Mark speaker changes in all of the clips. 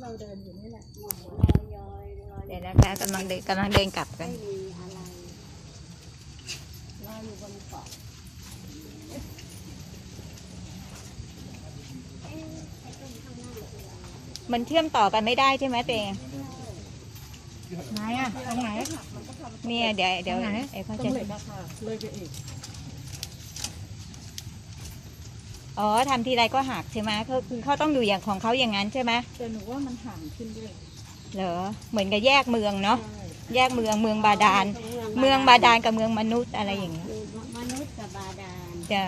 Speaker 1: เราเดินอยู่นี่แหละ
Speaker 2: เดี๋ยวนะคะกำลังเดินกลับกัน
Speaker 1: เราอยู่บนเกาะ
Speaker 2: มันเชื่อมต่อกันไม่ได้ใช่ไหมเตง
Speaker 1: ไหนอ่ะตรงไหน
Speaker 2: เนี่ยเดี๋ยวไอ้เขา
Speaker 1: ตร
Speaker 2: จะ
Speaker 1: งเหล็กอะค่ะเลยไปอีก
Speaker 2: อ๋อทำทีไรก็หักใช่ไหมเขาต้องอยู่อย่างของเขาอย่างนั้นใช่ไหม
Speaker 1: แต่หนูว่ามันห่างขึ้นด้วย
Speaker 2: เหรอเหมือนกับแยกเมืองเนาะแยกเมืองบาดาลเมืองบาดาลกับเมืองมนุษย์อะไรอย่างเงี้ย
Speaker 3: มนุษย์กับบาดาล
Speaker 2: จ้ะ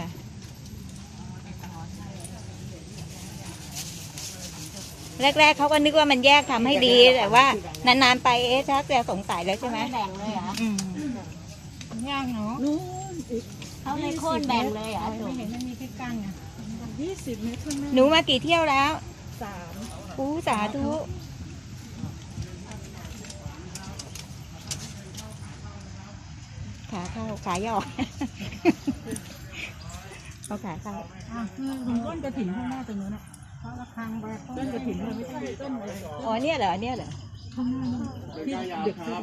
Speaker 2: แรกๆเขาก็นึกว่ามันแยกทำให้ดีแต่ว่านานๆไปชักจะสงสัยแล้วใช่ไหม
Speaker 3: แบ่งเลยเหร
Speaker 1: ย่างเนาะ
Speaker 3: เขาไม่โค่นแบ่งเลยเหรอ
Speaker 1: ไม่เห็นมันมีที่กั้นอ่ะ20 เมตรข้างหน้า
Speaker 2: หนูมากี่เที่ยวแล้ว
Speaker 1: 3
Speaker 2: อู้สาธุขาเข้าขาย่อเอาขาเข้า
Speaker 1: ตรงต้นกระถิ่นข้างหน้าตรงนู้นอ่ะเพราะระฆังแบบต้นกระถิ่นเราไม่ใช่ต้นอะไร
Speaker 2: อ๋อเนี่ยเหรอ
Speaker 1: ข้างหน้าที่เด็กที่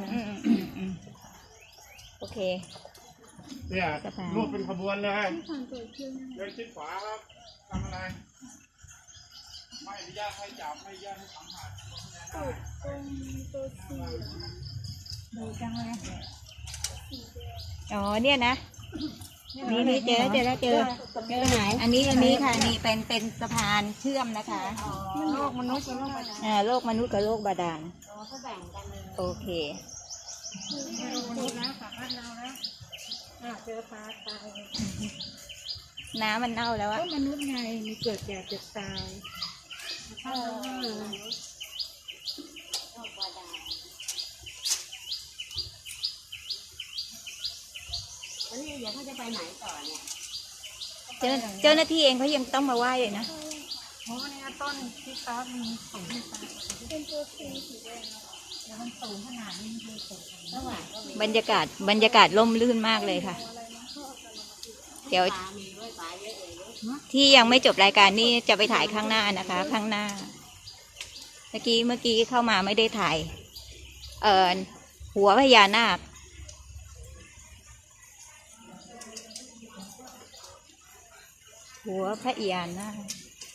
Speaker 2: โอเค
Speaker 4: เนี่ยรูปเป็นขบวนเลยเดินชิดขวาครับทำอะไรไม่อนุญาตให้จับไม่อนุญาตให้สัมผัส
Speaker 1: ดูจังเลย
Speaker 2: อ๋อเนี่ยนะนี่เจอ
Speaker 3: ไหน
Speaker 2: อันนี้ค่ะนี่เป็นสะพานเชื่อมนะคะ
Speaker 1: โลกมนุษย์กับโลกบาดาล
Speaker 2: โลกมนุษย์กับโลกบาดาล
Speaker 3: เขาแบ่งกันเลย
Speaker 2: โอเค
Speaker 1: ดูนะฝากบ้านเรานะเจอปลาตาย
Speaker 2: น้ำมันเน่าแล้วอะ
Speaker 1: ก็มนุษย์ไงมีเกิดแก่เจ็บตาย
Speaker 3: วันนี้เดี๋ยวเขาจะไปไหนต่อเนี่ย
Speaker 2: เจ้าหน้าที่เองเขายังต้องมาไหว้เลยนะ
Speaker 1: เพราะเนี่ยต้นที่ฟ้ามีสูงที่ฟ้าเป็นตัวสีแดงแล้วมันสูงขนาดนี้คือสูง
Speaker 2: บรรยากาศร่มรื่นมากเลยค่ะเดี๋ยวที่ยังไม่จบรายการนี่จะไปถ่ายข้างหน้านะคะข้างหน้าเมื่อกี้เข้ามาไม่ได้ถ่ายหัวพญานาคหัวพระยานาค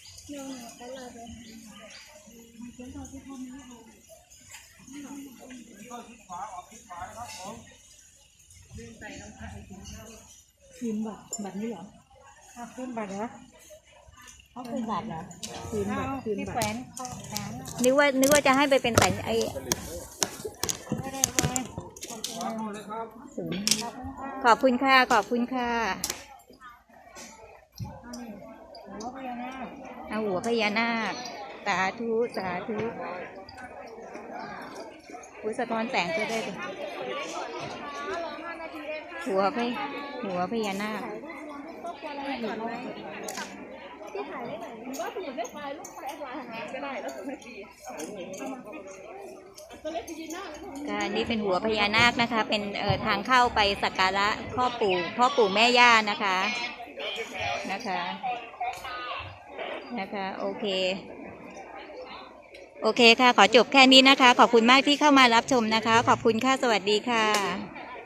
Speaker 1: คืนบัตรนี่เหรอคืนบัตรเหรอ
Speaker 3: เขาคืนบัตรเหรอ
Speaker 1: คืนบัตร
Speaker 3: ที่แขวน
Speaker 2: นึกว่าจะให้ไปเป็นแต่ไอขอบคุณค่ะเอาหัวพญานาคสาธุสะท้อนแสงก็ได้เลยหัวพญานาคนี่เป็นหัวพญานาคนะคะเป็นทางเข้าไปสักการะพ่อปู่แม่ย่านะคะโอเคค่ะขอจบแค่นี้นะคะขอบคุณมากที่เข้ามารับชมนะคะขอบคุณค่ะสวัสดีค่ะ